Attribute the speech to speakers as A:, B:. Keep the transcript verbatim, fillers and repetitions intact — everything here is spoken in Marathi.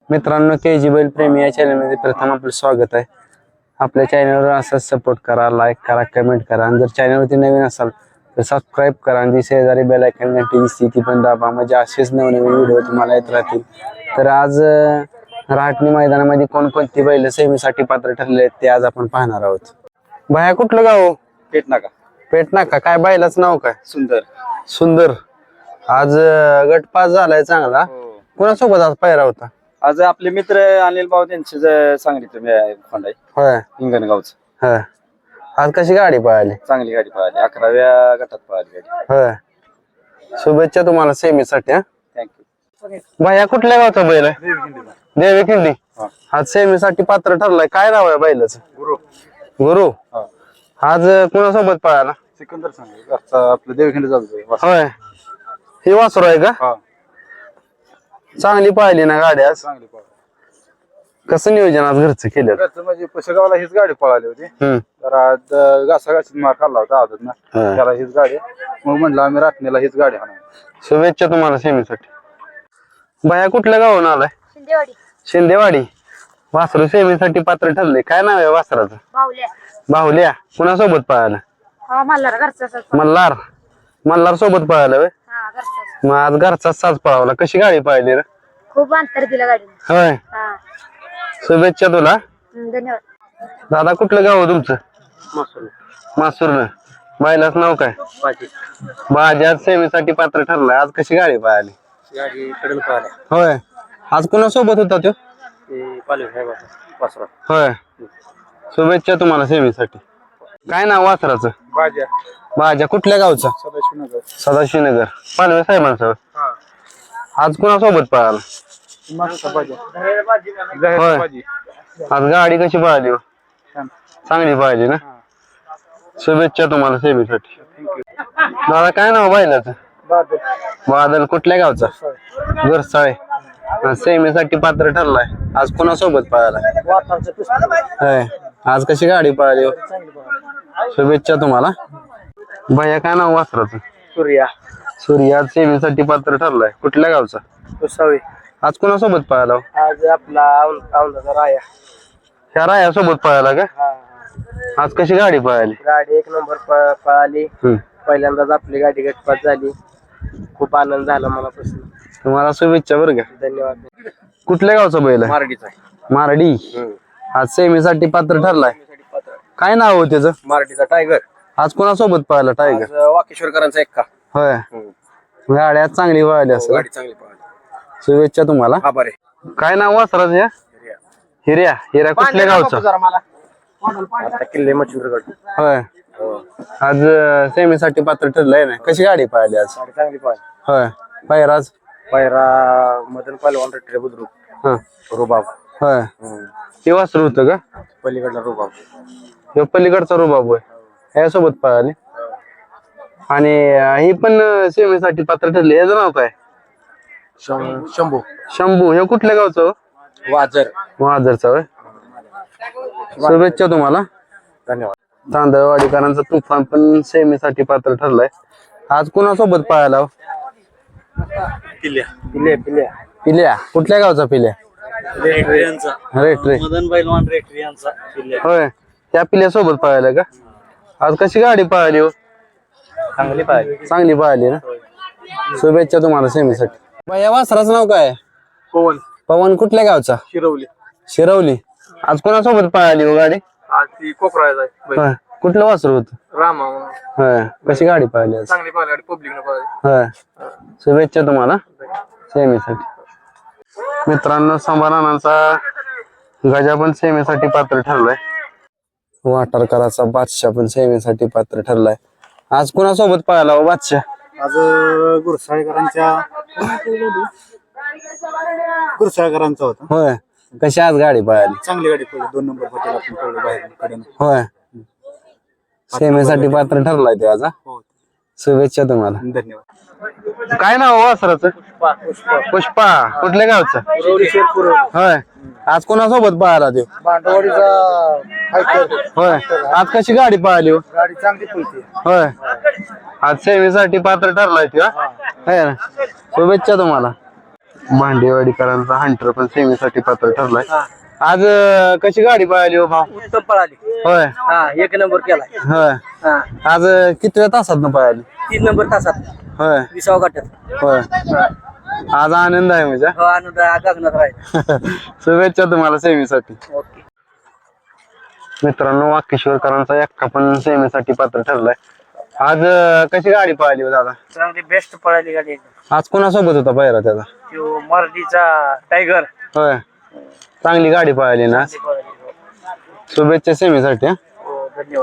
A: मित्रांनो, के जी बैल प्रेमी या चॅनलमध्ये प्रथम आपलं स्वागत आहे। आपल्या चॅनलवर असंच सपोर्ट करा, लाईक करा, कमेंट करा आणि जर चॅनलवरती नवीन असाल तर सबस्क्राईब करा आणि जी शेजारी बेल आयकॉन घंटी दिसते ती पण दाबा, म्हणजे असेच नवनवीन व्हिडिओ तुम्हाला येत राहतील। तर आज रहाटणी मैदानामध्ये कोणकोणती बैल सेमीसाठी पात्र ठरले आहेत ते आज आपण पाहणार आहोत। भाया कुठलं गाव?
B: पेटनाका।
A: पेटनाका। काय बैलाचं नाव काय?
B: सुंदर।
A: सुंदर। आज गट पास झालाय चांगला। कोणासोबत आज पायरा होता?
B: आज आपले मित्र अनिल भाऊ त्यांचे सांगितलं खोंड आहे
A: होय
B: हिंगणगावच।
A: होय। आज कशी गाडी पळाली?
B: चांगली गाडी पळाली, अकराव्या गटात पळाली गाडी।
A: होय। शुभेच्छा तुम्हाला सेमीसाठी।
B: थँक्यू।
A: भाया कुठल्या गावचा बैल आहे? देवी खिंडी। आज सेमीसाठी पात्र ठरलाय, काय नाव आहे बैलाचं?
B: गुरु।
A: गुरु। आज कोणासोबत पळाला?
B: सिकंदर सांग आपलं देवखिंड जातो।
A: होय। ही वासरू आहे का? चांगली पाहिली ना गाडी आज?
B: चांगली पळाली।
A: कसं नियोजन आज घरचं केलं?
B: घरचं म्हणजे पुशेगावला हीच गाडी पळाली होती, तर आज घासाघाशीत मार खाल्ला होता आदत ना, त्याला हीच गाडी, मग म्हणलं आम्ही राटणीला हीच गाडी आणू।
A: शुभेच्छा तुम्हाला सेमीसाठी। बाया कुठल्या गावून आलाय?
C: शिंदेवाडी।
A: शिंदेवाडी। वासरू सेमीसाठी पात्र ठरले, काय नाव आहे वासराचं?
C: बाहुल्या।
A: बाहुल्या। कुणासोबत पळाला?
C: हा मल्हार घरचा
A: मल्हार। मल्हार सोबत पळाला व्हय?
C: हा घरचा।
A: मग आज घरचा साज पळावला, कशी गाडी पाहिली रे?
C: खूप अंतर दिलं गाडीने।
A: होय।
C: हा
A: शुभेच्छा तुला।
C: धन्यवाद।
A: दादा कुठलं गाव तुमचं?
B: मासूर।
A: मासूर। बैलाचं नाव काय?
B: बाजी।
A: बाजी आज सेमीसाठी पात्र ठरलाय, आज कशी गाडी पाहिली?
B: गाडी कडल पळाली।
A: होय। आज कोणासोबत होता तो?
B: ते पालवी आहे वासरा।
A: होय। शुभेच्छा तुम्हाला सेमीसाठी। काय नाव वासराचं?
B: बाजा।
A: बाजा। कुठल्या गावचा?
B: सदाशिवनगर।
A: सदाशिवनगर। पालवे साहेबांसोबत। आज कोणासोबत पळाला? होय। आज गाडी कशी पळाली? चांगली पाहिजे ना? शुभेच्छा तुम्हाला सेमीसाठी। दादा काय नाव बैलाचं? बादल। कुठल्या गावचा? गुरसाळे। सेमीसाठी पात्र ठरलाय, आज कोणासोबत पळाला? होय। आज कशी गाडी पळाली? शुभेच्छा तुम्हाला। भैया काय नाव वासराचं?
B: सूर्या।
A: सूर्या। आज सेमीसाठी पात्र ठरलाय, कुठल्या गावचा?
B: कुसावी।
A: आज कोणासोबत पळाला?
B: आज आपला औंधाचा राया।
A: ह्या राया सोबत पळाला का? आज कशी गाडी पळाली?
B: गाडी एक नंबर पळाली, पहिल्यांदाच आपली गाडी गटपास झाली, खूप आनंद झाला मनापासून।
A: तुम्हाला शुभेच्छा बरं का।
B: धन्यवाद।
A: कुठल्या गावचा बैल आहे?
B: मारडीचा आहे।
A: मारडी। आज सेमीसाठी पात्र ठरलाय, काय नाव हो त्याचं?
B: मारडीचा टायगर।
A: आज कोणासोबत पळाला टायगर?
B: वाकेश्वरकरांचा एक्का।
A: होय। गाडी आज चांगली पळाली असं?
B: गाडी चांगली पळाली।
A: शुभेच्छा तुम्हाला।
B: आभार आहे।
A: काय नाव वासराचं? या हिर्या। हिर्या कुठल्या गावचा?
B: आता किल्ले मच्छिंद्रगड।
A: होय। आज सेमीसाठी पात्र ठरलंय ना, कशी गाडी पळाली आज?
B: गाडी चांगली पळाली।
A: होय। पायराज?
B: पायरा मदन पहलवान रेट्रे बुद्रुक।
A: हा।
B: रुबाब।
A: होय। हे वासरू होतं का?
B: पलीकडला रुबाब।
A: ह्यो पलीकडचा रुबाब होय, ह्यासोबत पळाली। आणि ही पण सेमीसाठी पात्र ठरली, याचं नाव काय?
B: शंभू।
A: शंभू। हे कुठल्या गावचं?
B: वाजर।
A: वाजरचा होय। शुभेच्छा तुम्हाला।
B: धन्यवाद।
A: तांदळवाडीकरांचा तुफान पण सेमीसाठी पात्र ठरलाय, आज कुणासोबत पळाला?
B: पिल्या। पिल्या। पिल्या।
A: पिल्या। कुठल्या गावचा पिल्या?
B: रेट्रे यांचा।
A: रेट्रे।
B: मदन पहलवान रेट्रे यांचा पिल्या।
A: होय। त्या पिल्यासोबत पळाला का? आज कशी गाडी पळाली हो?
B: चांगली पळाली।
A: चांगली पळाली ना? शुभेच्छा तुम्हाला सेमीसाठी। या वासराचं नाव काय?
B: पवन।
A: पवन। कुठल्या गावचा?
B: शिरवली।
A: शिरवली। आज कोणासोबत पळाली हो गाडी?
B: आज ती कोकरायचा आहे।
A: होय। कुठलं वासरू होत?
B: रामा।
A: होय। कशी गाडी पळाली आज?
B: चांगली पळाली गाडी, पब्लिक न पळाली।
A: होय। शुभेच्छा तुम्हाला सेमीसाठी। मित्रांनो, संभारानांचा गजा पण सेमीसाठी पात्र ठरलाय, वाटारकराचा बादशाह पण सेमीसाठी पात्र ठरलाय। आज कोणासोबत पळाला हो बादशाह?
B: आज गुरसाळेकरांच्या गुरसाळेकरांचा होता।
A: होय। कशी आज गाडी पळाली?
B: चांगली गाडी पडली, दोन नंबर पटेल आपण पडलो बाहेर कडेनं।
A: होय। सेमीसाठी पात्र ठरलाय ते आज।
B: हो।
A: शुभेच्छा तुम्हाला।
B: धन्यवाद।
A: काय नाव वासराचं? पुष्पा। कुठल्या गावचं? होय। आज कोणासोबत पळाला ते?
B: भांडवाडीचा।
A: होय। आज कशी गाडी पळाली हो?
B: गाडी चांगली पळते।
A: होय। आज सेमीसाठी पात्र ठरलाय ते। शुभेच्छा तुम्हाला। भांडेवाडीकरांचा हंटर पण सेमीसाठी पात्र ठरलाय. आज अं, कशी गाडी पळाली हो भाऊ?
D: उत्तम पळाली.
A: होय
D: हा एक नंबर केलाय.
A: होय
D: हा
A: आज अं, कितव्या तासात न पळाली?
D: तीन नंबर तासात
A: होय
D: विसावा गटात.
A: होय आज आनंद आहे म्हणजे.
D: हो आनंद गगनात राहील.
A: शुभेच्छा तुम्हाला सेमीसाठी.
D: ओके.
A: मित्रांनो वाकेश्वरकरांचा एक्का पण सेमीसाठी पात्र ठरलाय. आज अं, कशी गाडी पळाली हो दादा?
D: चांगली बेस्ट पळाली गाडी.
A: आज कोणासोबत होता पहिला त्याचा?
D: तो मराठीचा टायगर
A: होय चांगली गाडी पळाली ना.
D: पळाली.
A: शुभेच्छा सेमीसाठी.
D: हो धन्यवाद.